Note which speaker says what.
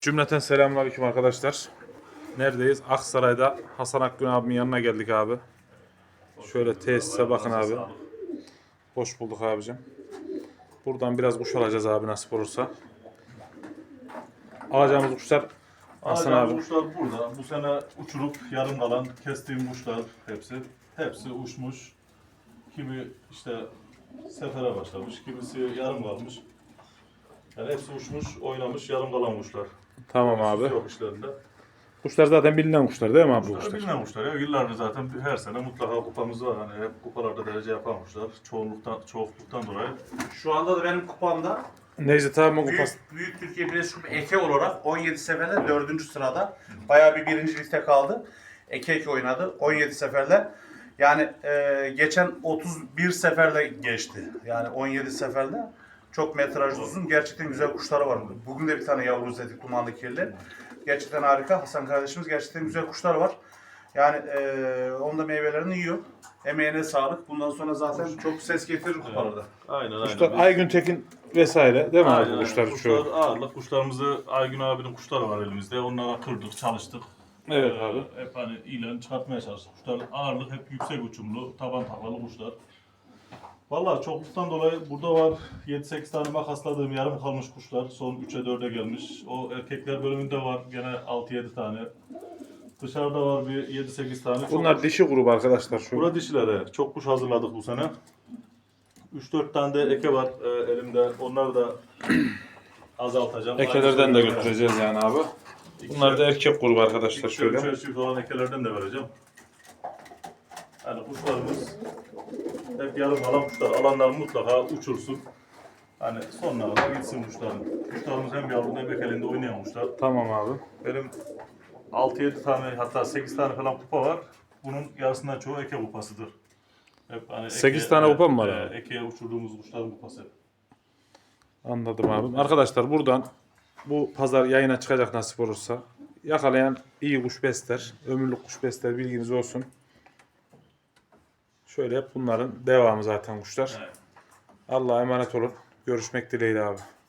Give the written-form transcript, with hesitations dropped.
Speaker 1: Cümleten selamünaleyküm arkadaşlar. Neredeyiz? Aksaray'da Hasan Akgün abimin yanına geldik abi. Şöyle tesise bakın abi. Hoş bulduk abicim. Buradan biraz kuş alacağız abi nasip olursa. Alacağımız kuşlar Hasan abi.
Speaker 2: Kuşlar burada. Bu sene uçurup yarım kalan kestiğim kuşlar hepsi. Hepsi uçmuş. Kimi işte sefere başlamış, kimisi yarım kalmış. Yani hepsi uçmuş, oynamış, yarım kalan kuşlar.
Speaker 1: Tamam abi.
Speaker 2: Yok işlerinde.
Speaker 1: Kuşlar zaten bilinen kuşlar değil mi abi bu
Speaker 2: Kuşlar
Speaker 1: kuşlar?
Speaker 2: bilinen kuşlar ya. Yıllardır zaten her sene mutlaka kupamız var. Hani hep kupalarda derece yapan kuşlar. Çoğunluktan dolayı.
Speaker 3: Şu anda da benim kupamda
Speaker 1: Necdet abimin kupası.
Speaker 3: Büyük Türkiye Birleşik Kupa Eke olarak 17 seferde 4. sırada. Bayağı bir birincilikte kaldı. Eke oynadı 17 seferle. Yani geçen 31 seferle geçti. Yani 17 seferde. Çok metrajlı uzun. Gerçekten güzel kuşları var. Bugün de bir tane yavru izledik dumanlı kirli. Gerçekten harika. Hasan kardeşimiz gerçekten güzel kuşlar var. Yani onda meyvelerini yiyor. Emeğine sağlık. Bundan sonra zaten çok ses getirir kupalarda.
Speaker 2: Aynen.
Speaker 1: Kuşlar Aygün Tekin vesaire değil mi abi bu kuşlar?
Speaker 2: Kuşlar ağırlık. Kuşlarımızı Aygün abinin kuşları var elimizde. Onlara kırdık, çalıştık.
Speaker 1: Evet abi.
Speaker 2: Hep hani ilan çıkartmaya çalıştık. Kuşlar ağırlık hep yüksek uçumlu, taban taklalı kuşlar. Vallahi çokluktan dolayı burada var 7-8 tane makasladığım yarım kalmış kuşlar. Son 3'e 4'e gelmiş. O erkekler bölümünde var gene 6-7 tane. Dışarıda var bir 7-8 tane.
Speaker 1: Bunlar dişi grubu arkadaşlar şu.
Speaker 2: Burada dişilere çok kuş hazırladık bu sene. 3-4 tane de eke var elimde. Onları da azaltacağım.
Speaker 1: Ekelerden de götüreceğiz yani abi. Bunlar da erkek grubu arkadaşlar şöyle.
Speaker 2: Üçer çift olan ekelerden de vereceğim. Yani kuşlarımız hep yarım kalan kuşlar. Alanlar mutlaka uçursun. Hani sonlara da gitsin kuşların. Kuşlarımız hem yavru hem ekelinde oynayan kuşlar.
Speaker 1: Tamam abi.
Speaker 2: Benim 6-7 tane hatta 8 tane falan kupa var. Bunun yarısından çoğu eke kupasıdır. Hep hani
Speaker 1: 8 tane kupa mı var abi?
Speaker 2: Ekeye uçurduğumuz kuşların kupası.
Speaker 1: Anladım abi. Arkadaşlar buradan bu pazar yayına çıkacak nasip olursa yakalayan iyi kuş besler, ömürlük kuş besler bilginiz olsun. Şöyle hep bunların devamı zaten kuşlar.
Speaker 2: Evet.
Speaker 1: Allah'a emanet olun. Görüşmek dileğiyle abi.